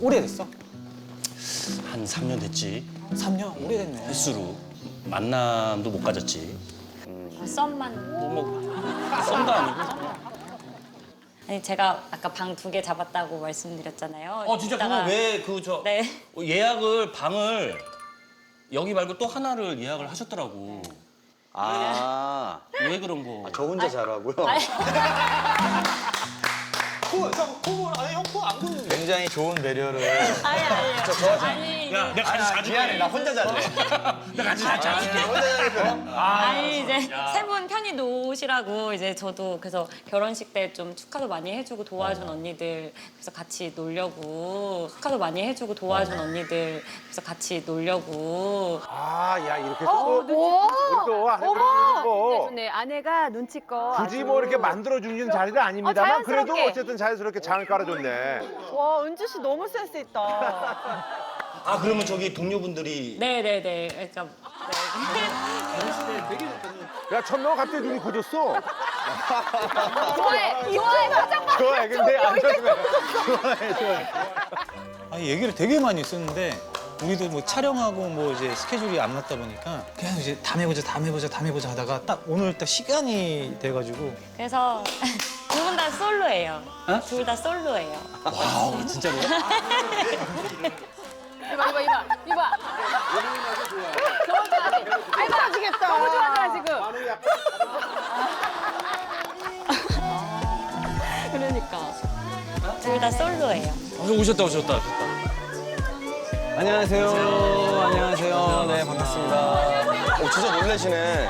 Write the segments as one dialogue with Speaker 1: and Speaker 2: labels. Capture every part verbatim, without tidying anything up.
Speaker 1: 오래됐어?
Speaker 2: 한 삼 년 됐지.
Speaker 1: 삼 년? 오래됐네.
Speaker 2: 횟수로 만남도 못 가졌지.
Speaker 3: 아, 썸만.
Speaker 2: 뭐 썸도 아니고.
Speaker 3: 아니 제가 아까 방 두 개 잡았다고 말씀드렸잖아요.
Speaker 2: 어 진짜 그거
Speaker 3: 이따가-
Speaker 2: 왜 그 저
Speaker 3: 네.
Speaker 2: 예약을 방을 여기 말고 또 하나를 예약을 하셨더라고.
Speaker 4: 아,
Speaker 2: 왜 그런 거?
Speaker 4: 저 혼자 잘하고요.
Speaker 1: 코, 저 코, 아니 형 코 안 보이는데.
Speaker 4: 굉장히 좋은 배려를.
Speaker 3: 아니 아니. 저 좋아하지. 아니,
Speaker 2: 야, 내가 같이 자줄게.
Speaker 4: 미안해, 나 혼자 잘래.
Speaker 2: 나 같이 자줄게.
Speaker 4: 혼자 잘래.
Speaker 3: 아니 이제 세 분 편히 노시라고 이제 저도 그래서 결혼식 때 좀 축하도 많이 해주고 도와준 언니들 그래서 같이 놀려고 축하도 많이 해주고 도와준 언니들 그래서 같이 놀려고
Speaker 5: 아, 야 이렇게 또
Speaker 6: 오,
Speaker 5: 또 안에
Speaker 6: 어머!
Speaker 5: 그래도
Speaker 6: 좋네,
Speaker 5: 뭐
Speaker 6: 좋네. 아내가 눈치껏.
Speaker 5: 굳이
Speaker 6: 아주.
Speaker 5: 뭐 이렇게 만들어주는 자리는 아닙니다만
Speaker 6: 어,
Speaker 5: 그래도
Speaker 6: 자연스럽게.
Speaker 5: 어쨌든 자연스럽게 장을 깔아줬네.
Speaker 6: 와, 은주 씨 너무 센스 있다.
Speaker 2: 아 그러면 저기 동료분들이
Speaker 3: 네네네 그러니까 네.
Speaker 5: 야 천명아 갑자기 눈이 고졌어.
Speaker 6: 좋아해, 좋아해, 화장 봐.
Speaker 5: 좋아해, 근데 안 좋아해. 좋아해, 좋아해.
Speaker 1: 아니 얘기를 되게 많이 쓰는데 우리도 뭐 촬영하고 뭐 이제 스케줄이 안 맞다 보니까 그냥 이제 다음에 보자, 다음에 보자, 다음에 보자 하다가 딱 오늘 딱 시간이 돼가지고
Speaker 3: 그래서 두 분 다 솔로예요. 둘 다 솔로예요.
Speaker 1: 와우 진짜로.
Speaker 6: 이봐, 이봐, 이봐, 이봐. 너무 좋아하지? 아이, 빠지겠다. 너무 좋아하잖아, 지금.
Speaker 3: 그러니까 둘 다 솔로예요.
Speaker 2: 어, 오셨다 오셨다 오셨다.
Speaker 4: 안녕하세요. 안녕하세요. 네, 반갑습니다. 오, 진짜 놀라시네.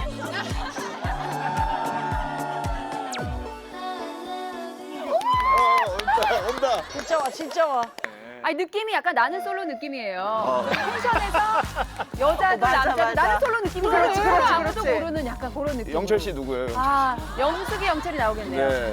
Speaker 4: 온다, 온다.
Speaker 6: 진짜 와, 진짜 와. 아니, 느낌이 약간 나는 솔로 느낌이에요. 펜션에서 여자도 남자도 나는 솔로 느낌이에요. 그렇지, 그렇지, 아무도 모르는 약간 그런 느낌.
Speaker 5: 영철 씨 누구예요?
Speaker 6: 아, 영숙이 영철이 나오겠네요.
Speaker 5: 네.